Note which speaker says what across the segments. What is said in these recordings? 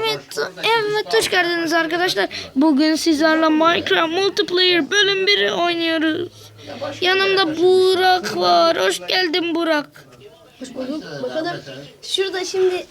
Speaker 1: Evet hoş geldiniz arkadaşlar. Bugün sizlerle Minecraft Multiplayer bölüm 1'i oynuyoruz. Yanımda Burak var. Hoş geldin Burak.
Speaker 2: Hoş bulduk. Bakalım. Şurada şimdi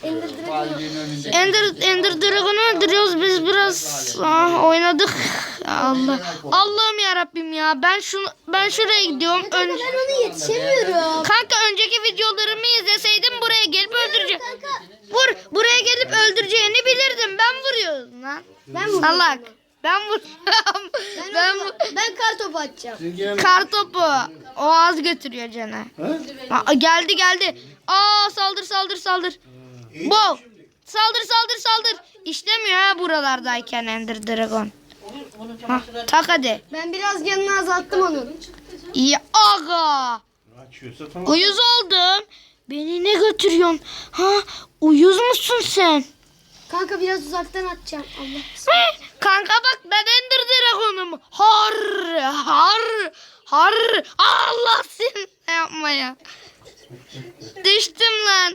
Speaker 1: Ender Dragon'u öldürüyoruz. Biz biraz oynadık. Allah'ım ya Rabbim ya. Ben şuraya gidiyorum.
Speaker 2: Ben onu yetişemiyorum.
Speaker 1: Kanka önceki videolarımı izleseydim buraya gelip öldüreceğim. Buraya gelip öldüreceğini bilirdim. Ben vuruyorum lan.
Speaker 2: Ben vuruyorum.
Speaker 1: Salak. Ben vuruyorum.
Speaker 2: Ben kar topu atacağım.
Speaker 1: Kar topu. O az götürüyor canı. Geldi. Saldır. Wow. Saldır. İşlemiyor ha buralardayken Ender Dragon. Tak hadi.
Speaker 2: Ben biraz canını azalttım onun.
Speaker 1: Ya aga. Uyuz oldum. Beni ne götürüyorsun? Uyuz musun sen?
Speaker 2: Kanka biraz uzaktan atacağım. Allah.
Speaker 1: Kanka bak ben Ender Dragon'um. Har. Allah seni ne yapma ya. Düştüm lan.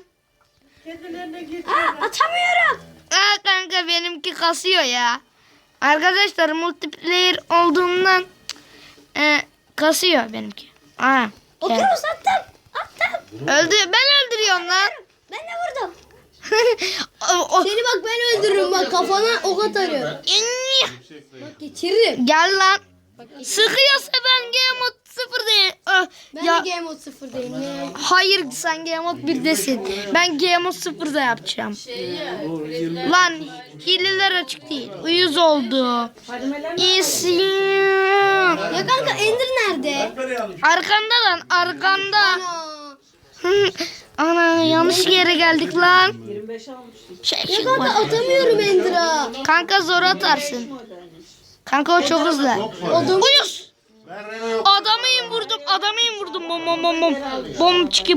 Speaker 2: Atamıyorum.
Speaker 1: Kanka benimki kasıyor ya. Arkadaşlar multiplayer olduğundan kasıyor benimki.
Speaker 2: Oturuz attım.
Speaker 1: Öldü. Ben öldürüyorum lan.
Speaker 2: Ben de vurdum. Seni bak ben öldürürüm bak kafana ok atarım. Bak geçiririm.
Speaker 1: Gel lan. Sıkıyorsa ben Game Mode 0'dayım.
Speaker 2: Ben de Game Mode 0'dayım.
Speaker 1: Hayır sen Game Mode 1'desin. Ben Game Mode 0'da yapacağım. Lan hileler açık değil. Uyuz oldu. İyisin.
Speaker 2: Ya kanka Ender nerede?
Speaker 1: Arkanda lan arkanda.
Speaker 2: Ana.
Speaker 1: Ana yanlış yere geldik lan.
Speaker 2: Ya kanka atamıyorum Ender'a.
Speaker 1: Kanka zor atarsın. Kanka o çok hızlı. Uyuz. Adamı vurdum. Bom çiki.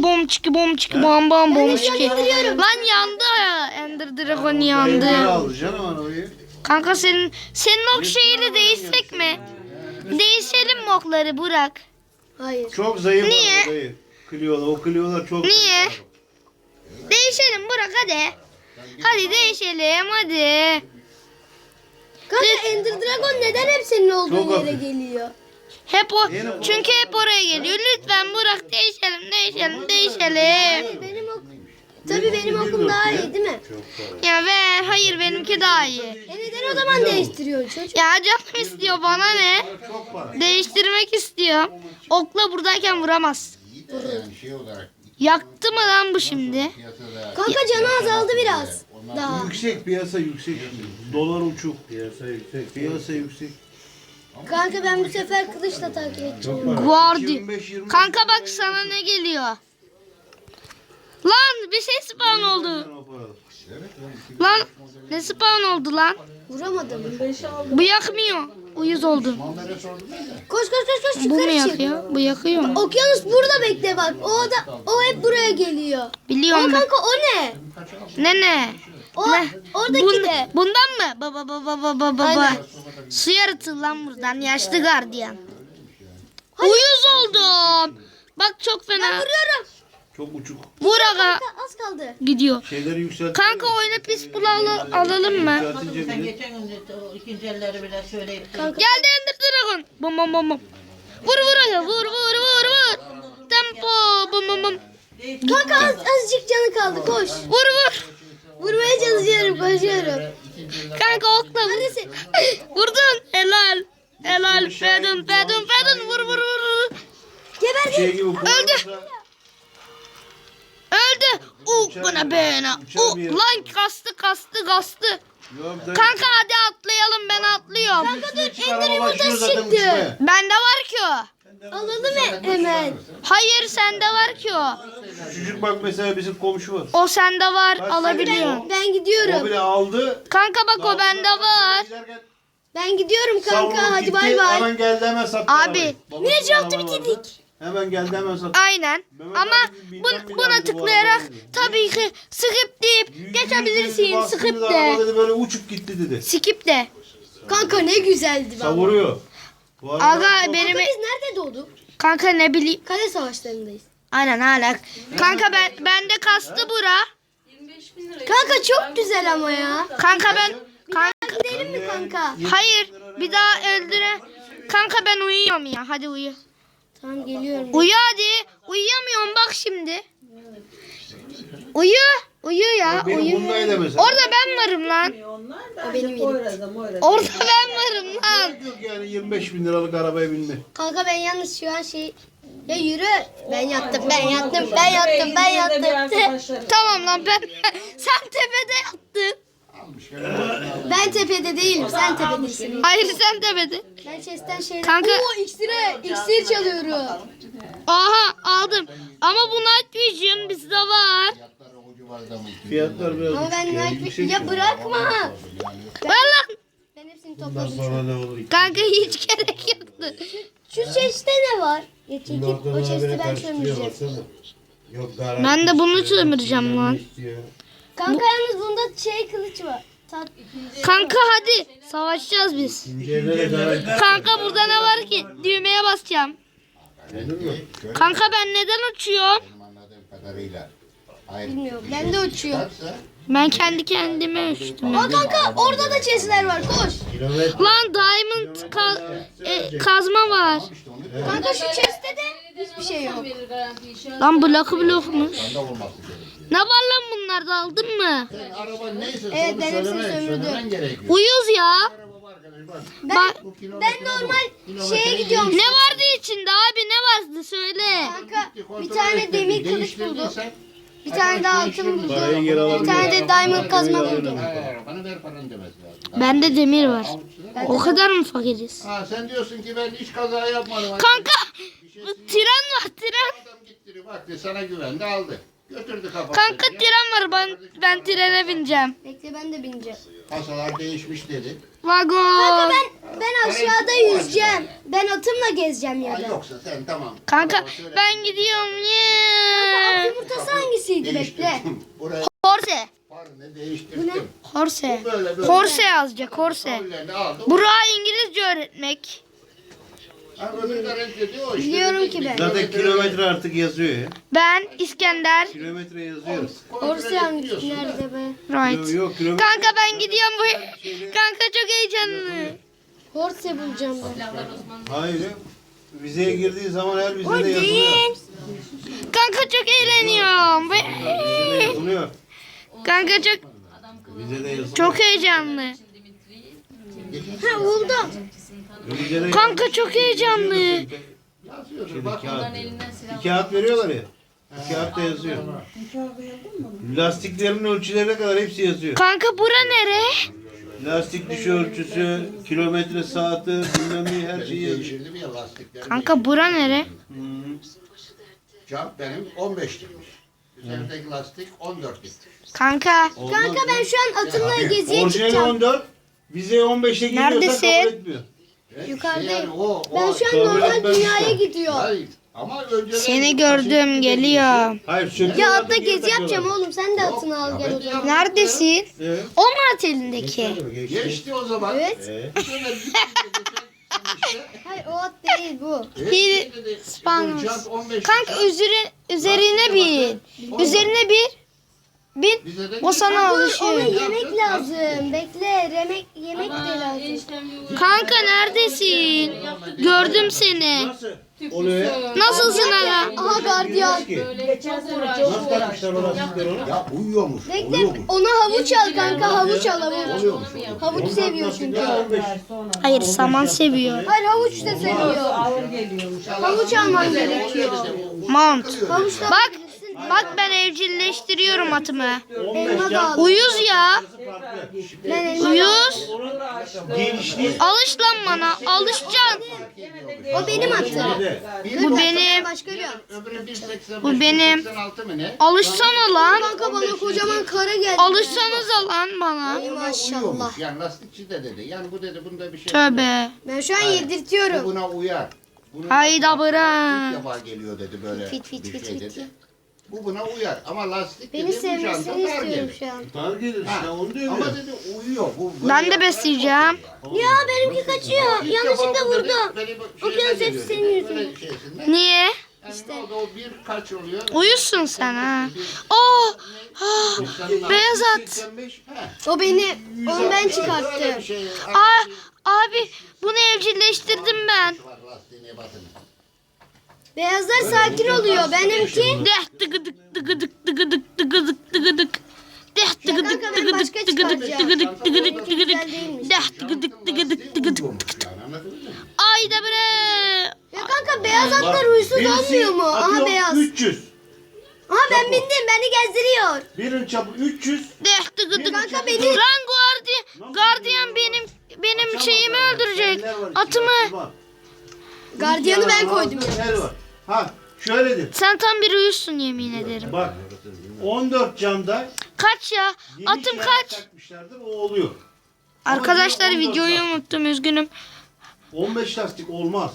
Speaker 1: Lan yandı ya. Ender Dragon yandı. Kanka senin ok şeyini değişsek mi? Değişelim mi okları Burak?
Speaker 2: Hayır.
Speaker 3: Çok zayıf.
Speaker 1: Niye?
Speaker 3: O Clio'lar çok
Speaker 1: Niye?
Speaker 3: zayıf.
Speaker 1: Değişelim Burak hadi. Hadi değişelim hadi.
Speaker 2: Kanka Ender Dragon neden hep senin olduğun
Speaker 3: Çok
Speaker 2: yere
Speaker 3: hafif.
Speaker 2: geliyor?
Speaker 1: Çünkü hep oraya geliyor. Lütfen Burak değişelim.
Speaker 2: Benim ok. Tabii benim okum daha iyi değil mi?
Speaker 1: Ya ver. Hayır benimki daha iyi.
Speaker 2: Neden o zaman değiştiriyor çocuk?
Speaker 1: Ya canım istiyor bana ne?
Speaker 3: Çok para.
Speaker 1: Değiştirmek istiyor. Okla buradayken vuramaz. Yaktı mı lan bu şimdi?
Speaker 2: Kanka canı azaldı biraz. Daha.
Speaker 3: Yüksek piyasa yüksek. Dolar uçuk. Piyasa yüksek.
Speaker 2: Kanka ben bu sefer kılıçla takip edeceğim.
Speaker 1: Guardi. Kanka bak sana ne geliyor. Lan bir şey spawn oldu. Lan ne spawn oldu lan?
Speaker 2: Vuramadım.
Speaker 1: Bu yakmıyor. Uyuz oldu.
Speaker 2: Koş
Speaker 1: Bu mu
Speaker 2: yukarı çık.
Speaker 1: yakıyor? Bu yakıyor mu?
Speaker 2: Okyanus burada bekle bak. O hep buraya geliyor.
Speaker 1: Biliyorum
Speaker 2: Ama
Speaker 1: ben.
Speaker 2: kanka o ne?
Speaker 1: Ne?
Speaker 2: Oradaki de.
Speaker 1: Bundan mı? Baba.
Speaker 2: Aynen.
Speaker 1: Su yaratı lan buradan. Yaşlı gardiyan. Uyuz oldum. Bak çok fena.
Speaker 2: Vuruyorum.
Speaker 3: Çok uçuk.
Speaker 1: Buraga
Speaker 2: Kanka az kaldı.
Speaker 1: gidiyor.
Speaker 3: Şeyleri yükselt.
Speaker 1: Kanka oyuna pis bulalı alalım mı?
Speaker 3: Yükseltince
Speaker 4: Sen
Speaker 3: bile.
Speaker 4: geçen gün o ikinci elleri bile söyleyip
Speaker 1: Geldi Ender Dragon. Bum. Vur. Tempo. Bum.
Speaker 2: Kanka azıcık canı kaldı koş.
Speaker 1: Vur.
Speaker 2: Vurmaya çalışıyorum koşuyorum.
Speaker 1: Kanka okla vur.
Speaker 2: Neredesin?
Speaker 1: Vurdun. Helal. Fedun. Vur.
Speaker 2: Geberdi.
Speaker 3: Şey gibi
Speaker 1: Öldü. Buna bena. Lan kastı. Kanka hadi atlayalım ben atlıyorum.
Speaker 2: Kanka dur Ender yumurtası çıktı.
Speaker 1: Bende var ki o.
Speaker 2: Alalım hemen.
Speaker 1: Hayır sende var ki o.
Speaker 3: Çocuk bak mesela bizim komşu var.
Speaker 1: O sende var alabiliyorum.
Speaker 2: Ben
Speaker 3: O
Speaker 2: gidiyorum.
Speaker 3: bile aldı.
Speaker 1: Kanka bak o bende var.
Speaker 3: Giderken
Speaker 2: Ben gidiyorum
Speaker 3: savrulup
Speaker 2: kanka hadi
Speaker 3: gitti,
Speaker 2: bay bay.
Speaker 3: Hemen geldi hemen sattı.
Speaker 1: Abi.
Speaker 3: arabayı. Babası
Speaker 2: Viraj yaptı
Speaker 3: araba vardı.
Speaker 2: bitirdik.
Speaker 3: Hemen geldi hemen sattı.
Speaker 1: Aynen. Ama buna tıklayarak tabii ki skip deyip geçebilirsin. Skip de.
Speaker 3: Dedi, böyle uçup gitti dedi.
Speaker 1: Skip de.
Speaker 2: Kanka ne güzeldi baba.
Speaker 3: Savuruyor. Bu arada
Speaker 1: Aga benim
Speaker 2: Kanka biz nerede doğduk?
Speaker 1: kanka ne bileyim.
Speaker 2: Kale savaşlarındayız.
Speaker 1: Aynen hala. Kanka bende kastı bura.
Speaker 2: Kanka çok güzel ama ya.
Speaker 1: Kanka ben
Speaker 2: Gidelim mi kanka?
Speaker 1: hayır bir daha öldüre. Kanka ben uyuyorum ya. Hadi uyu.
Speaker 2: Tamam geliyorum.
Speaker 1: Uyu hadi. Uyuyamıyorum bak şimdi. Uyu. Uyu ya.
Speaker 3: Benim
Speaker 1: Uyu.
Speaker 3: bundaydı mesela.
Speaker 1: Orada ben varım lan.
Speaker 2: O benim yerim.
Speaker 1: Orada ben varım lan.
Speaker 3: Yok yani 25.000 liralık arabaya binme.
Speaker 2: Kanka ben yalnız şu an Ya yürü. Ben yattım.
Speaker 1: Tamam lan ben. Sen tepede yattın.
Speaker 2: Ben tepede değilim. Sen tepedesin.
Speaker 1: Hayır sen tepede.
Speaker 2: Ben chest'ten şeyler...
Speaker 1: Kanka-
Speaker 2: Oo iksir çalıyorum.
Speaker 1: Aha aldım. Ama bu Night Vision bizde var.
Speaker 3: Fiyatlar biraz
Speaker 2: Ama ben
Speaker 3: düşük ya,
Speaker 2: Night
Speaker 3: yüksek
Speaker 2: Ya bırakma.
Speaker 1: Ver lan.
Speaker 2: Ben hepsini
Speaker 3: Bundan
Speaker 2: topladım.
Speaker 3: sonra ne olur?
Speaker 1: Kanka hiç gerek yoktu.
Speaker 2: Şu chest'te ne var? Ya çekip o chest'i ben sömüreceğim.
Speaker 3: Yok garanti
Speaker 1: Ben de bunu
Speaker 3: istiyor,
Speaker 1: sömüreceğim
Speaker 3: bilmem
Speaker 1: lan.
Speaker 3: ne istiyor.
Speaker 2: Kanka yalnız bunda kılıç var.
Speaker 1: Kanka hadi savaşacağız biz.
Speaker 3: İkinci elde de garanti.
Speaker 1: Kanka burada ne var ki? Düğmeye basacağım.
Speaker 3: Anladın mı?
Speaker 1: Kanka ben neden uçuyorum?
Speaker 5: Anladığım kadarıyla. Hayır.
Speaker 2: Bilmiyorum. Ben de uçuyorum.
Speaker 1: Ben kendi kendime uçtum.
Speaker 2: Aa kanka orada da chest'ler var. Koş.
Speaker 3: Kilometre.
Speaker 1: Lan diamond kazma var.
Speaker 2: Kanka şu chest'te de hiçbir şey yok.
Speaker 1: Lan blokmuş.
Speaker 5: Sende olması gerekiyor.
Speaker 1: Ne var lan bunlarda aldın mı?
Speaker 5: Sen araba neyse
Speaker 2: Evet,
Speaker 5: onu
Speaker 2: ben hepsini
Speaker 5: söylemen
Speaker 2: sömürdüm.
Speaker 5: gerekiyor.
Speaker 1: Uyuz ya.
Speaker 5: Araba var arkadaş bak.
Speaker 1: Bak
Speaker 2: Ben normal şeye gidiyorum.
Speaker 1: ne vardı içinde abi ne vardı söyle.
Speaker 2: Kanka bir
Speaker 5: Kontrol
Speaker 2: tane
Speaker 5: ettin,
Speaker 2: demir kılıç
Speaker 5: değiştirdiysen,
Speaker 2: buldum. Bir tane daha altın buldum.
Speaker 3: Parayı geri
Speaker 2: Bir
Speaker 3: alabilir.
Speaker 2: tane de diamond kazma buldum.
Speaker 5: Bana ver paranı demesi lazım.
Speaker 1: Bende demir var. O kadar mı fakiriz?
Speaker 5: Ha, sen diyorsun ki ben hiç kaza yapmadım.
Speaker 1: Kanka bu tren var tren.
Speaker 5: Adam gitti baktı sana güvendi aldı. Götürdü kafasını.
Speaker 1: Kanka tren var ben trene bineceğim.
Speaker 2: Bekle ben de bineceğim.
Speaker 5: Kasalar değişmiş dedi.
Speaker 2: Kanka
Speaker 1: Vagon.
Speaker 2: ben aşağıda yüzeceğim. Ben atımla gezeceğim ya
Speaker 5: Ha,
Speaker 2: da.
Speaker 5: yoksa sen tamam.
Speaker 1: Kanka
Speaker 5: Araba söyle.
Speaker 1: ben gidiyorum. Yeah.
Speaker 2: Yumurtası hangisiydi bekle.
Speaker 5: Değiştirdim. Buraya
Speaker 1: Horse.
Speaker 5: ne değiştirdim.
Speaker 1: Horse.
Speaker 5: Böyle.
Speaker 1: Horse yazacak horse.
Speaker 5: Kabullerini aldı.
Speaker 1: Burak'a İngilizce öğretmek.
Speaker 5: Ha, öbürü de reddediyor. İşte
Speaker 2: Biliyorum
Speaker 5: dedik
Speaker 2: ki
Speaker 5: mi?
Speaker 2: ben.
Speaker 3: Zaten kilometre artık yazıyor ya.
Speaker 1: Ben İskender.
Speaker 3: Kilometre yazıyor.
Speaker 5: Kontrol
Speaker 2: Orası hangisi?
Speaker 5: ediyorsun da.
Speaker 2: Nerede be?
Speaker 1: Right.
Speaker 3: Yok kilometre.
Speaker 1: Kanka ben gidiyorum bu. Kanka çok heyecanlı.
Speaker 2: Horse bulacağım ben.
Speaker 3: Hayır. Vizeye girdiği zaman her vizede yazılıyor.
Speaker 1: Değil. Kanka çok eğleniyorum.
Speaker 3: Vizede yazılıyor.
Speaker 1: Kanka çok
Speaker 3: Vizede yazılıyor.
Speaker 1: çok heyecanlı.
Speaker 2: Ha buldum.
Speaker 3: Vizede
Speaker 1: Kanka çok heyecanlı.
Speaker 5: Yazıyordur. Bak
Speaker 3: kağıt. Bir kağıt veriyorlar ya. Bir kağıtta yazıyor. Lastiklerin ölçülerine kadar hepsi yazıyor.
Speaker 1: Kanka bura nere?
Speaker 3: Lastik diş ölçüsü, kilometre saati, bilmem ne her şeyi yazıyor.
Speaker 5: değiştirdim ya lastikleri.
Speaker 1: Kanka bura nere?
Speaker 5: Cam benim 15 lirmiş. Üzerindeki lastik 14 lira.
Speaker 1: Kanka
Speaker 2: Kanka ben şu an atımla geziye
Speaker 3: Orijinali
Speaker 2: çıkacağım.
Speaker 3: 14, vizeye 15'e giriyorsa
Speaker 1: Neredesin?
Speaker 3: kabul etmiyor.
Speaker 2: Yukarıdayım.
Speaker 5: Yani o,
Speaker 2: Ben şu an
Speaker 3: kabul
Speaker 2: normal
Speaker 3: etmez
Speaker 2: dünyaya
Speaker 3: işte.
Speaker 2: gidiyorum.
Speaker 5: Hayır. Ama önceden
Speaker 1: seni gördüm geliyor.
Speaker 3: Hayır söküyorlar.
Speaker 2: Ya atla
Speaker 3: geri
Speaker 2: gezi
Speaker 3: takıyorlar.
Speaker 2: yapacağım oğlum. Sen de atını al gel o zaman.
Speaker 1: Neredesin?
Speaker 3: Evet.
Speaker 1: O mu at elindeki?
Speaker 3: Geçti.
Speaker 5: Geçti o zaman.
Speaker 2: Evet.
Speaker 5: Sonra gitti işte.
Speaker 2: Hayır o at değil bu.
Speaker 1: Bir
Speaker 5: Dedi,
Speaker 1: Spanos.
Speaker 5: jant 15
Speaker 1: Kanka
Speaker 5: lira.
Speaker 1: üzerine bin. Üzerine bin.
Speaker 5: Bize de
Speaker 1: O sana
Speaker 2: Ona
Speaker 1: alışıyor.
Speaker 2: yemek lazım. Bekle. Yemek de lazım.
Speaker 1: Kanka neredesin? Gördüm seni.
Speaker 3: Nasıl oluyor ya?
Speaker 1: Nasılsın hala?
Speaker 2: Aha gardiyan.
Speaker 3: Ki. Nasıl takmışlar o lastikleri ona?
Speaker 5: Ya uyuyormuş.
Speaker 2: Bekle.
Speaker 5: Uyuyormuş.
Speaker 2: Ona havuç al kanka. Havuç al havuç.
Speaker 5: Oluyormuş.
Speaker 2: Havuç seviyor çünkü.
Speaker 3: 15.
Speaker 1: Hayır saman seviyor.
Speaker 2: Hayır havuç da seviyor. Havuç alman gerekiyor.
Speaker 1: Mount.
Speaker 2: Havuçla
Speaker 1: Bak ben evcilleştiriyorum atımı.
Speaker 3: 15 can.
Speaker 1: Uyuz ya.
Speaker 3: Farklı.
Speaker 2: ben elma
Speaker 1: Uyuz.
Speaker 3: Genişliği
Speaker 1: Alış lan bana. Alışacaksın.
Speaker 2: O benim atım.
Speaker 3: de.
Speaker 1: Bu benim.
Speaker 2: Başka bir at.
Speaker 5: Öbürü 1.85,
Speaker 1: Bu benim.
Speaker 5: 1.86 mı ne?
Speaker 1: Alışsana lan.
Speaker 2: Kanka bana kocaman kara geldi.
Speaker 1: Alışsanıza lan bana.
Speaker 2: Ay maşallah.
Speaker 5: Uyuyormuş. Yani lastikçi de dedi. Yani bu dedi bunda bir şey.
Speaker 1: Tövbe.
Speaker 2: Ben şu an
Speaker 5: Bu
Speaker 2: yedirtiyorum.
Speaker 5: buna uyar. Bunun
Speaker 1: Hayda
Speaker 5: İlk
Speaker 1: bırak.
Speaker 5: defa geliyor dedi böyle
Speaker 2: Fit, fit,
Speaker 5: bir
Speaker 2: fit,
Speaker 5: şey
Speaker 2: fit.
Speaker 5: dedi. Bu buna uyar ama lastik
Speaker 2: Beni
Speaker 5: dedi bu janta
Speaker 2: sevmesini
Speaker 5: dar
Speaker 2: istiyorum
Speaker 5: gelir.
Speaker 2: şu an.
Speaker 3: Dar gelir işte onu diyor
Speaker 5: Ama
Speaker 3: ya.
Speaker 5: dedi uyuyor. Bu
Speaker 1: Ben de
Speaker 5: böyle
Speaker 1: besleyeceğim.
Speaker 2: Ya benimki kaçıyor.
Speaker 5: İlk
Speaker 2: Yanlışlıkla
Speaker 5: defa bu dedi,
Speaker 2: vurdum.
Speaker 5: beni bu
Speaker 2: Okyanus
Speaker 5: şeyden
Speaker 2: hepsi
Speaker 5: geliyor
Speaker 2: senin
Speaker 5: dedi, böyle
Speaker 2: yüzünden.
Speaker 5: şeysinden.
Speaker 1: Niye?
Speaker 5: İşte. O bir kaç oluyor?
Speaker 1: Uyusun sen ha. Oh, beyaz at.
Speaker 5: 85.
Speaker 2: O beni, onu ben çıkarttım.
Speaker 1: Abi bunu evcilleştirdim ben.
Speaker 2: Beyazlar sakin oluyor. Benimki
Speaker 1: Deh tıgıdık tıgıdık tıgıdık tıgıdık tıgıdık. Deh tıgıdık
Speaker 2: ben
Speaker 1: tıgıdık
Speaker 2: başka
Speaker 1: tıgıdık
Speaker 2: çıkaracağım.
Speaker 1: tıgıdık tıgıdık tıgıdık.
Speaker 2: güzel değilmiş.
Speaker 1: Deh tıgıdık tıgıdık tıgıdık. Ayda bre.
Speaker 2: Ya kanka beyaz atlar huysuz olmuyor mu? Aha beyaz.
Speaker 3: 300.
Speaker 2: Aha ben bindim. Beni gezdiriyor.
Speaker 3: Birin çapı 300.
Speaker 1: Deh tıgıdık.
Speaker 2: Kanka beni-
Speaker 1: Lan gardiyan benim şeyimi öldürecek. Atımı.
Speaker 2: Gardiyanı ben koydum.
Speaker 3: El var. Ha şöyledir.
Speaker 1: Sen tam bir uyusun yemin ederim.
Speaker 3: Bak 14 camda
Speaker 1: Kaç ya?
Speaker 3: yeni
Speaker 1: Atım
Speaker 3: şerit
Speaker 1: kaç?
Speaker 3: takmışlardır, o oluyor.
Speaker 1: Arkadaşlar
Speaker 3: 14
Speaker 1: videoyu
Speaker 3: lastik.
Speaker 1: unuttum üzgünüm.
Speaker 3: 15 lastik olmaz.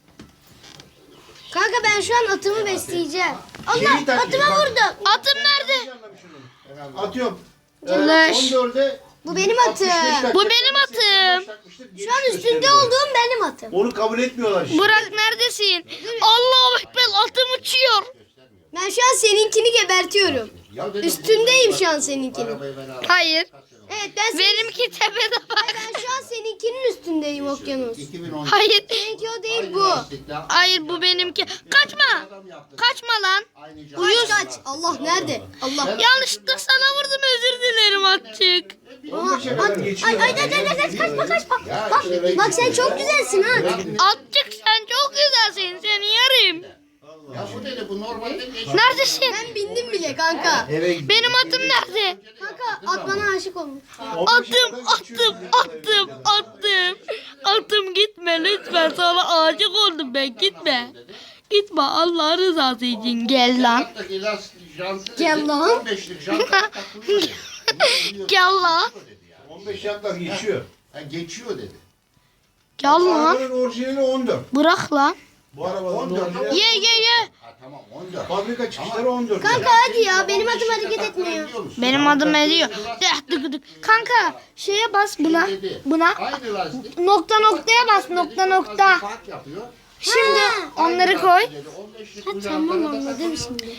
Speaker 2: Kanka ben şu an atımı besleyeceğim.
Speaker 3: Şeyi
Speaker 2: Allah
Speaker 3: takmış,
Speaker 2: atıma
Speaker 3: bak.
Speaker 2: vurdum.
Speaker 1: Atım nerede?
Speaker 3: Atıyorum.
Speaker 1: Leş.
Speaker 3: 14'e
Speaker 2: Bu benim atım.
Speaker 3: 65 takacak.
Speaker 1: Bu benim atım.
Speaker 2: Şu an üstünde olduğum benim atım.
Speaker 3: Onu kabul etmiyorlar işte.
Speaker 1: Burak neredesin? Allahu Ekber atım uçuyor.
Speaker 2: Ben şu an seninkini gebertiyorum. Üstündeyim şu an seninkinin.
Speaker 1: Hayır.
Speaker 2: Evet ben
Speaker 1: Benimki tepede bak.
Speaker 2: ben şu an seninkinin üstündeyim okyanus.
Speaker 5: 2010.
Speaker 1: Hayır.
Speaker 2: Seninki o değil bu.
Speaker 1: Hayır bu benimki. Kaçma. Kaçma lan.
Speaker 2: Kaç kaç. Allah nerede? Allah.
Speaker 1: Yanlışlıkla sana vurdum özür dilerim atçık.
Speaker 3: 15'e kadar geçiyor.
Speaker 2: Ay kaçma kaçma. Bak sen çok güzelsin ha.
Speaker 1: Atçık sen çok güzelsin seni yerim.
Speaker 5: Ya bu dedi bu normalde geçiyor.
Speaker 1: Neredesin?
Speaker 2: Ben bindim bile kanka.
Speaker 3: Eve gidiyor.
Speaker 1: Benim atım nerede?
Speaker 2: Kanka at bana aşık olmuş.
Speaker 3: 15'e kadar geçiyor.
Speaker 1: Atım gitme lütfen sana aşık oldum ben gitme. Gitme Allah rızası için gel lan.
Speaker 5: Hattaki lastik jantı
Speaker 2: Gel
Speaker 5: dedi,
Speaker 2: lan.
Speaker 5: 15'lik jantı takılıyor dedi.
Speaker 1: Gel lan.
Speaker 3: 15 yaplar geçiyor.
Speaker 5: Ha, geçiyor dedi.
Speaker 1: Gel lan.
Speaker 3: Arabanın orijinali 14.
Speaker 1: Bırak lan.
Speaker 3: Bu arabanın
Speaker 5: 14.
Speaker 3: orijinali.
Speaker 1: Ye.
Speaker 5: Ha tamam 14.
Speaker 3: Fabrika çıkışları 14.
Speaker 2: Kanka hadi ya benim adım hareket etmiyor.
Speaker 1: Benim adım ediyor. Kanka şeye bas buna.
Speaker 5: Aynı lastik.
Speaker 1: Noktaya bas nokta.
Speaker 5: Fark yapıyor.
Speaker 1: Şimdi onları koy.
Speaker 5: Dedi, 15'lik bu
Speaker 2: Tamam
Speaker 5: jantları da
Speaker 2: anladım
Speaker 5: takılıyor.
Speaker 2: şimdi.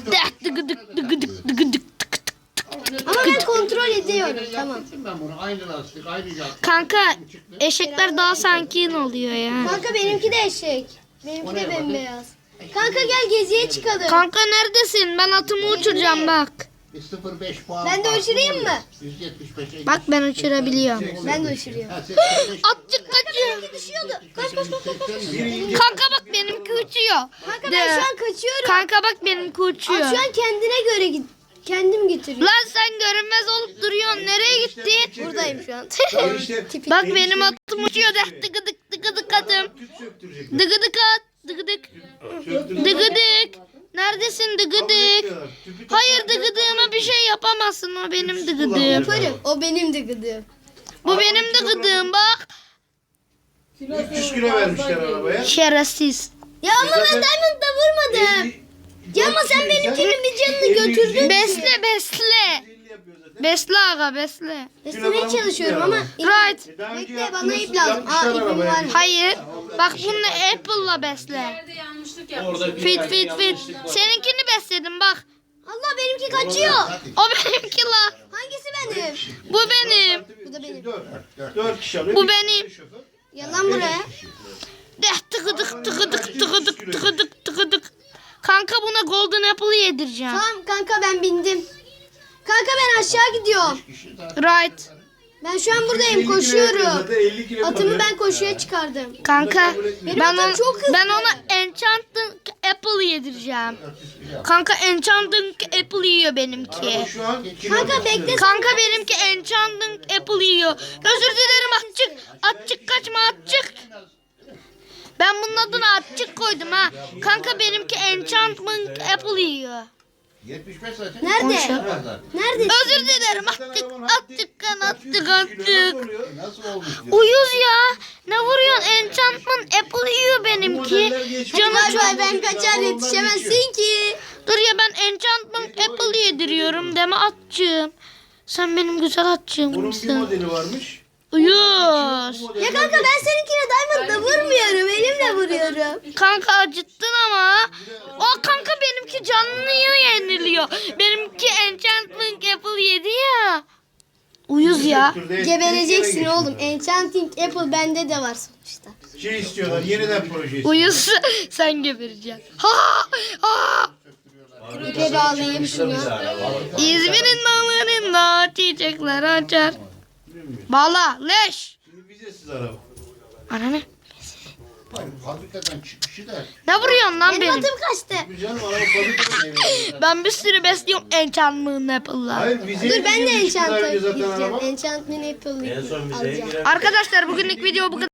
Speaker 5: Ama
Speaker 2: Ama ben kontrol ediyorum. Tamam.
Speaker 5: Ben bunu aynı lastik, aynı jant.
Speaker 1: Kanka eşekler daha sankin oluyor ya.
Speaker 2: Kanka benimki de eşek. Benimki de bembeyaz. Kanka gel geziye çıkalım.
Speaker 1: Kanka neredesin? Ben atımı uçuracağım bak.
Speaker 5: Bir 0,5 puan.
Speaker 2: Ben de
Speaker 5: farkı
Speaker 2: uçurayım
Speaker 5: oluyor.
Speaker 2: mı?
Speaker 5: 175'e
Speaker 1: Bak ben uçurabiliyorum.
Speaker 2: Ben de uçuruyorum.
Speaker 5: Ha, 85.
Speaker 1: Atçık kaçıyor.
Speaker 2: Düşüyordu. Kaç kaç kaç kaç.
Speaker 1: Kanka bak benimki uçuyor.
Speaker 2: Kanka ben şu an kaçıyorum.
Speaker 1: Kanka bak benimki uçuyor.
Speaker 2: At şu an kendine göre git. Kendim getiriyorum.
Speaker 1: Lan sen görünmez olup duruyorsun. Nereye gittin?
Speaker 2: Buradayım şu an.
Speaker 3: İşte
Speaker 1: Bak benim atım uçuyor. Dıgıdık atım.
Speaker 3: tüp söktürecek.
Speaker 1: Dıgıdık at. Dıgıdık. Dıgıdık. Neredesin dıgıdık? Hayır dıgıdığıma bir şey yapamazsın. O benim dıgıdığım.
Speaker 2: Yaparım. O benim de gıdığım.
Speaker 1: Bu benim dıgıdığım bak.
Speaker 3: 300 kilo vermişler arabaya.
Speaker 1: Şerefsiz.
Speaker 2: Ya ama ben Diamond'da vurmadım. Ya ama sen benimkinin bir canını götürdün.
Speaker 1: Besle. Besle aga besle.
Speaker 2: Beslemeye çalışıyorum ama.
Speaker 1: Right.
Speaker 2: Bekle bana ip lazım. Aa ipim var mı?
Speaker 1: Hayır. Bak bunu Apple'la besle. Fit. Seninkini besledim bak.
Speaker 2: Allah benimki kaçıyor.
Speaker 1: O benimki la.
Speaker 2: Hangisi benim?
Speaker 1: Bu benim.
Speaker 2: Bu da benim.
Speaker 3: 4 kişi alıyor.
Speaker 1: Bu
Speaker 3: Bir
Speaker 1: benim.
Speaker 3: şoför.
Speaker 2: Yalan buraya.
Speaker 1: Tıkıdık. Kanka buna Golden Apple'ı yedireceğim.
Speaker 2: Tamam kanka ben bindim. Kanka ben aşağı gidiyorum.
Speaker 1: Right.
Speaker 2: Ben şu an buradayım
Speaker 3: 50 kilo yapıyor
Speaker 2: koşuyorum.
Speaker 3: zaten, 50 kilo
Speaker 2: Atımı
Speaker 3: kalıyor.
Speaker 2: ben koşuya çıkardım.
Speaker 1: Kanka
Speaker 2: çok hızlı.
Speaker 1: ben ona Enchanted Apple yedireceğim. Kanka Enchanted Apple yiyor benimki.
Speaker 3: Araba şu an
Speaker 2: Kanka bekle.
Speaker 1: Kanka benimki Enchanted Apple yiyor. Özür dilerim atçık. Atçık kaçma atçık. Ben bunun adını atçık koydum ha. Kanka benimki Enchantment Apple yiyor.
Speaker 5: 75 zaten.
Speaker 2: Nerede? Nerede?
Speaker 1: Özür dilerim attık.
Speaker 3: Nasıl olmuş diyor.
Speaker 1: Uyuz ya. Ne vuruyorsun? Enchantment Apple yiyor benimki.
Speaker 2: Canım
Speaker 1: Canım çok.
Speaker 2: ben kaçar yetişemezsin ki.
Speaker 1: Dur ya ben Enchantment Apple yediriyorum deme atçığım. Sen benim güzel atçığım
Speaker 3: Bunun bir
Speaker 1: mısın?
Speaker 3: modeli varmış.
Speaker 1: Uyuz.
Speaker 2: Ya kanka ben seninkine diamond'la vurmuyorum. Elimle vuruyorum.
Speaker 1: Kanka acıttın ama. O kanka benimki canlıyor yeniliyor. Benimki enchantment apple yedi ya. Uyuz ya.
Speaker 2: Gebereceksin oğlum. Enchanting Apple bende de var sonuçta.
Speaker 3: Şey istiyorlar, yeniden proje istiyorlar.
Speaker 1: Uyuz sen gebereceksin. Ha! Ha!
Speaker 2: İpe bağlayayım şunu.
Speaker 1: İzmir'in dağlarında çiçekler açar. Bağla leş.
Speaker 3: Şimdi vizesiz araba.
Speaker 1: Ananı.
Speaker 5: Fabrikadan çıkışı da
Speaker 1: Ne vuruyorsun lan
Speaker 2: Benim
Speaker 1: benim?
Speaker 2: atım kaçtı.
Speaker 3: Canım araba fabrikadan.
Speaker 1: Ben bir sürü besliyorum enchantment apple'la.
Speaker 3: Hayır vizeyi
Speaker 2: Dur ben de
Speaker 3: zaten
Speaker 2: enchantment
Speaker 3: araba.
Speaker 2: gideceğim. Enchantment Apple'ı alacağım.
Speaker 1: Arkadaşlar bugünlük video bu kadar.